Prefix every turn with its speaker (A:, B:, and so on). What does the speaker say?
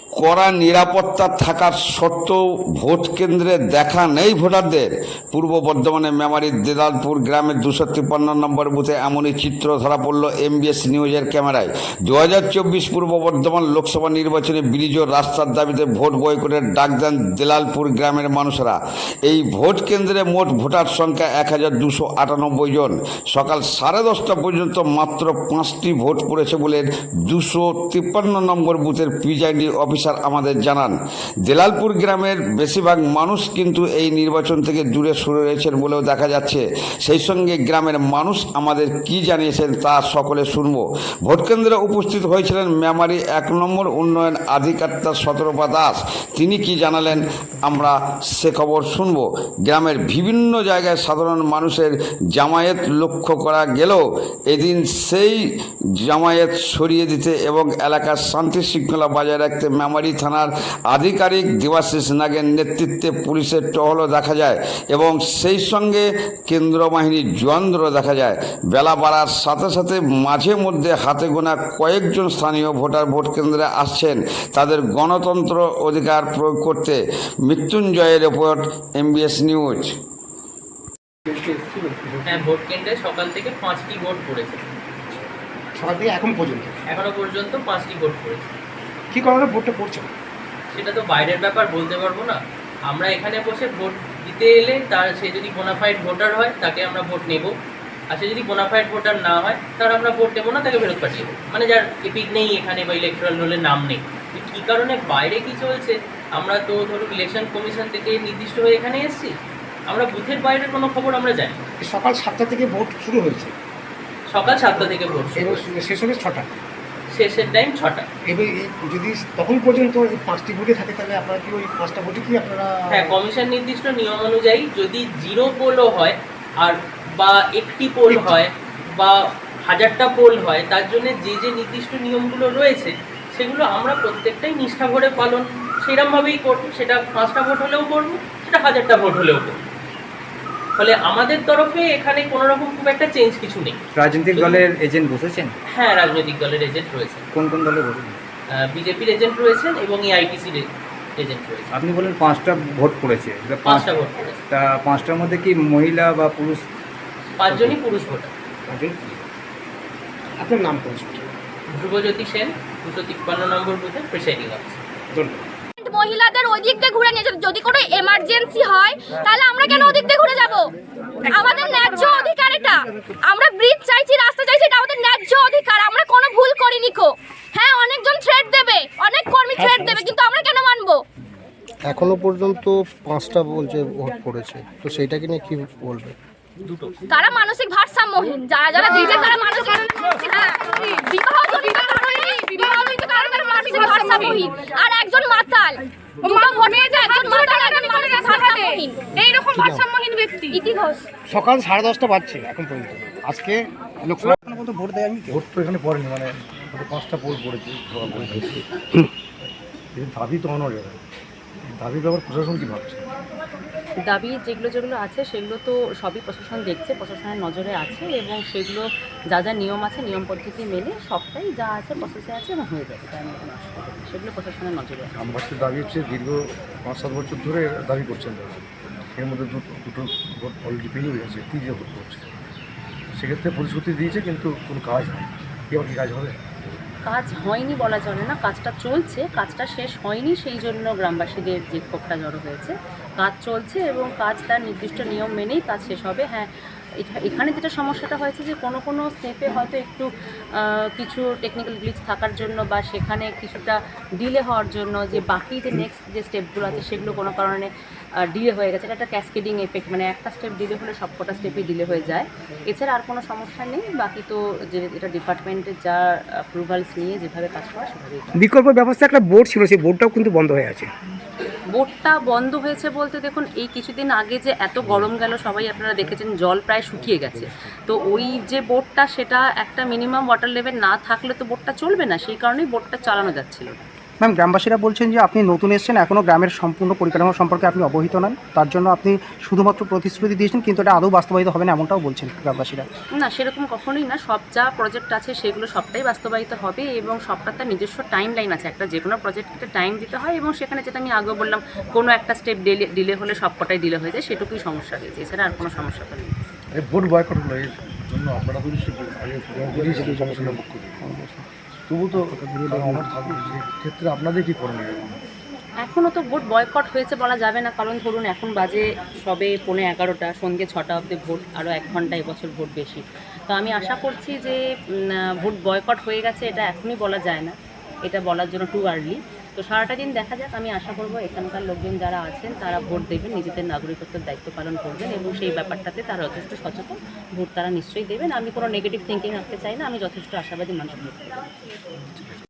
A: কড়া নিরাপত্তা থাকার সত্ত্বেও ভোট কেন্দ্রে দেখা নেই ভোটারদের। পূর্ব বর্ধমানের মেমারির দেদালপুর গ্রামের 253 নম্বর বুথে এমনই চিত্র ধরা পড়ল এমবিএস নিউজের ক্যামেরায়। 2024 পূর্ব বর্ধমান লোকসভা নির্বাচনে ব্রিজ ও রাস্তার দাবিতে ভোট বয়কটের ডাক দেন দেলালপুর গ্রামের মানুষরা। এই ভোট কেন্দ্রে মোট ভোটার সংখ্যা 1298 জন। সকাল 10:30 পর্যন্ত মাত্র 5টি ভোট পড়েছে বলে 253 নম্বর বুথের প্রিজাইডিং অফিসার আমাদের জানান। দেলালপুর গ্রামের বেশিরভাগ মানুষ কিন্তু এই নির্বাচন থেকে দূরে সরে রয়েছেন বলেও দেখা যাচ্ছে। সেই সঙ্গে গ্রামের মানুষ আমাদের কি জানিয়েছেন তা সকলে শুনব। ভোট কেন্দ্রে উপস্থিত হয়েছিলেন মেমারি 1 নম্বর উন্নয়ন আধিকারিক সতর্পা দাস। তিনি কি জানালেন আমরা সে খবর শুনব। গ্রামের বিভিন্ন জায়গায় সাধারণ মানুষের জামায়াত লক্ষ্য করা গেলেও এদিন সেই জামায়াত সরিয়ে দিতে এবং এলাকার শান্তি শৃঙ্খলা বজায় রাখতে মেমারি থানার আধিকারিক দেবাশিস নাগের নেতৃত্বে পুলিশের টহলও দেখা যায় এবং সেই সঙ্গে কেন্দ্র বাহিনীর জওয়ানদেরও দেখা যায়। বেলা বাড়ার সাথে সাথে মাঝে মধ্যে হাতে গোনা কয়েকজন স্থানীয় ভোটার ভোট কেন্দ্রে আসছেন তাদের গণতন্ত্র অধিকার প্রয়োগ করতে। মৃত্যুঞ্জয়ের রিপোর্ট, এমবিএস নিউজ।
B: হ্যাঁ, ভোট কেন্দ্রে সকাল থেকে 5টি ভোট পড়েছে।
C: সকাল থেকে এখনো পর্যন্ত
B: 5টি ভোট পড়েছে।
C: কি কারণে ভোটটা পড়ছে?
B: সেটা তো বাইরের ব্যাপার, বলতে পারবো না। আমরা এখানে বসে ভোট দিতে এলে সে যদি বোনাফাইড ভোটার হয় তাকে আমরা ভোট নেব, আর সে যদি বোনাফাইড ভোটার না হয় তার আমরা ভোট নেবো না, তাকে ফেরত পাঠিয়ে দেবো। মানে যার এপিক নেই এখানে বা ইলেকট্রাল রোলের নাম নেই। কী কারণে বাইরে কি চলছে, আমরা তো ধরুন ইলেকশন কমিশন থেকে নির্দিষ্ট হয়ে এখানে এসেছি, আমরা বুথের বাইরের কোনো খবর আমরা জানি।
C: সকাল 7টা থেকে ভোট শুরু হয়েছে।
B: সকাল 7টা থেকে ভোট
C: এবং শেষ হবে 6টা।
B: শেষের টাইম 6টা।
C: এবার যদি তখন পর্যন্ত এই 5টি ভোটে থাকে তাহলে আপনারা কি ওই 5টা ভোটে কি আপনারা?
B: হ্যাঁ, কমিশন নির্দিষ্ট নিয়ম অনুযায়ী যদি 0 পোলও হয় আর বা 1টি পোল হয় বা 1000টা পোল হয়, তার জন্য যে যে নির্দিষ্ট নিয়মগুলো রয়েছে সেগুলো আমরা প্রত্যেকটাই নিষ্ঠা ভরে পালন সেরকমভাবেই করবো। সেটা 5টা ভোট হলেও করবো, সেটা 1000টা ভোট হলেও করবো। ফলে আমাদের তরফে এখানে কোনো রকম খুব একটা চেঞ্জ কিছু নেই।
D: রাজনৈতিক দলের এজেন্ট বসেছেন?
B: হ্যাঁ, রাজনৈতিক দলের এজেন্ট রয়েছেন।
D: কোন কোন দলে বসেছেন?
B: বিজেপির এজেন্ট রয়েছেন এবং এআইটিসির এজেন্ট রয়েছেন।
D: আপনি বলেন 5টা ভোট পড়েছে,
B: 5টা ভোট পড়েছে।
D: তা 5টার মধ্যে কি মহিলা বা পুরুষ?
B: 5 জনই পুরুষ ভোটার।
C: আপনার নাম পরিচয়?
B: ধ্রুবজ্যোতি সেন, 253 নম্বর বুথের প্রিসাইডিং অফিসার।
C: ধন্যবাদ।
E: মহিলাদের ওই দিক দিয়ে ঘুরে নিয়ে যাবে। যদি কোনো এমার্জেন্সি হয় তাহলে আমরা কেন ওদিক দিয়ে ঘুরে যাব? আমাদের ন্যায্য অধিকার এটা। আমরা ব্রিজ চাইছি, রাস্তা চাইছি, এটা আমাদের ন্যায্য অধিকার। আমরা কোনো ভুল করিনি কো। হ্যাঁ, অনেকজন থ্রেট দেবে, অনেক কর্মী থ্রেট দেবে, কিন্তু আমরা কেন মানবো?
F: এখনো পর্যন্ত 5টা বলছে ভোট পড়েছে, তো সেইটাকে নিয়ে কি বলবে?
E: তারা মানসিক ভারসাম্যহীন, যারা যারা দিয়েছে তারা মানসিক, হ্যাঁ, বিবাহজনিত কারণে তারা মানসিক ভারসাম্যহীন। আর একজন মাতাল, দুটো ভোট পেয়েছে, একজন মাতাল, একজন মানসিক ভারসাম্যহীন, এইরকম ভারসাম্যহীন ব্যক্তি। ইতিহাস
C: সকাল 10:30 বাজছে এখন পর্যন্ত। আজকে লোকসভা পর্যন্ত ভোট দেয়নি।
G: ভোট তো এখানে পড়েনি, মানে 5টা পোল পড়েছে। দাবি তো অনর যাবে, দাবির ব্যাপার প্রশাসন কী ভাবছে?
H: দাবি যেগুলো আছে সেগুলো তো সবই প্রশাসন দেখছে, প্রশাসনের নজরে আছে এবং সেগুলো যা যা নিয়ম আছে নিয়ম পদ্ধতি মেনে সবটাই যা আছে প্রসেসে আছে এবং হয়ে যাবে। তার মধ্যে সেগুলো প্রশাসনের নজরে আছে।
G: গ্রামবাসীর দাবি হচ্ছে দীর্ঘ 5-7 বছর ধরে দাবি করছেন তারা, এর মধ্যে দুটো ভোট অলরেডি পেরিয়ে গেছে, 3টে ভোট করছে। সেক্ষেত্রে প্রতিশ্রুতি দিয়েছে কিন্তু কোনো কাজ হয়, এবার কি কাজ হবে?
H: কাজ হয়নি বলা চলে না, কাজটা চলছে, কাজটা শেষ হয়নি, সেই জন্য গ্রামবাসীদের যে ক্ষোভটা জড়ো হয়েছে। কাজ চলছে এবং কাজ তার নির্দিষ্ট নিয়ম মেনেই কাজ শেষ হবে। হ্যাঁ, এখানে যেটা সমস্যাটা হয়েছে যে কোনো স্টেপে হয়তো একটু কিছু টেকনিক্যাল গ্লিচ থাকার জন্য বা সেখানে কিছুটা ডিলে হওয়ার জন্য যে বাকি যে নেক্সট যে স্টেপগুলো আছে সেগুলো কোনো কারণে ডিলে হয়ে গেছে। এটা একটা ক্যাসকেডিং এফেক্ট, মানে একটা স্টেপ ডিলে হলে সবকটা স্টেপই ডিলে হয়ে যায়। এছাড়া আর কোনো সমস্যা নেই। বাকি তো যে এটা ডিপার্টমেন্টের যা অ্যাপ্রুভালস নিয়ে যেভাবে কাজ করা সেভাবেই।
C: বিকল্প ব্যবস্থা একটা বোর্ড ছিল, সেই বোর্ডটাও কিন্তু বন্ধ হয়ে আছে।
H: বোটটা বন্ধ হয়েছে বলতে দেখুন, এই কিছুদিন আগে যে এত গরম গেল সবাই আপনারা দেখেছেন, জল প্রায় শুকিয়ে গেছে। তো ওই যে বোটটা, সেটা একটা মিনিমাম ওয়াটার লেভেল না থাকলে তো বোটটা চলবে না, সেই কারণেই বোটটা চালানো যাচ্ছিল না।
I: ম্যাম, গ্রামবাসীরা বলছেন যে আপনি নতুন এসেছেন, এখনও গ্রামের সম্পূর্ণ পরিকাঠামো সম্পর্কে আপনি অবহিত নন, তার জন্য আপনি শুধুমাত্র প্রতিশ্রুতি দিয়েছেন, কিন্তু এটা আদৌ বাস্তবায়িত হবে না এমনটাও বলছেন গ্রামবাসীরা।
H: না, সেরকম কখনোই না। সব যা প্রজেক্ট আছে সেগুলো সবটাই বাস্তবায়িত হবে এবং সবটার তার নিজস্ব টাইম লাইন আছে। একটা যে কোনো প্রজেক্টকে টাইম দিতে হয় এবং সেখানে যেটা আমি আগেও বললাম, কোনো একটা স্টেপ ডিলে হলে সবকটাই ডিলে হয়ে যায়, সেটুকুই সমস্যা হয়েছে, এছাড়া আর কোনো সমস্যা তো নেই।
G: এই ভোট বয়কট হলো এর জন্য আপনারা তো নিশ্চয়ই আগে দিয়েছেন সমস্যাটা মুক্ত তবু তো আমার থাকবে সেক্ষেত্রে আপনাদের কী করণীয়?
H: এখনও তো ভোট বয়কট হয়েছে বলা যাবে না, কারণ ধরুন এখন বাজে সবে 11:15, সন্ধ্যে 6টা অবধি ভোট, আরও 1 ঘন্টা এবছর ভোট বেশি। তো আমি আশা করছি যে ভোট বয়কট হয়ে গেছে এটা এখনই বলা যায় না, এটা বলার জন্য টু আর্লি। তো সারাটা দিন দেখা যাক। আমি আশা করব এখানকার লোকজন যারা আছেন তারা ভোট দেবেন, নিজেদের নাগরিকত্বের দায়িত্ব পালন করবেন এবং সেই ব্যাপারটাতে তারা যথেষ্ট সচেতন, ভোট তারা নিশ্চয়ই দেবেন। আমি কোনো নেগেটিভ থিঙ্কিং রাখতে চাই না, আমি যথেষ্ট আশাবাদী মানুষ।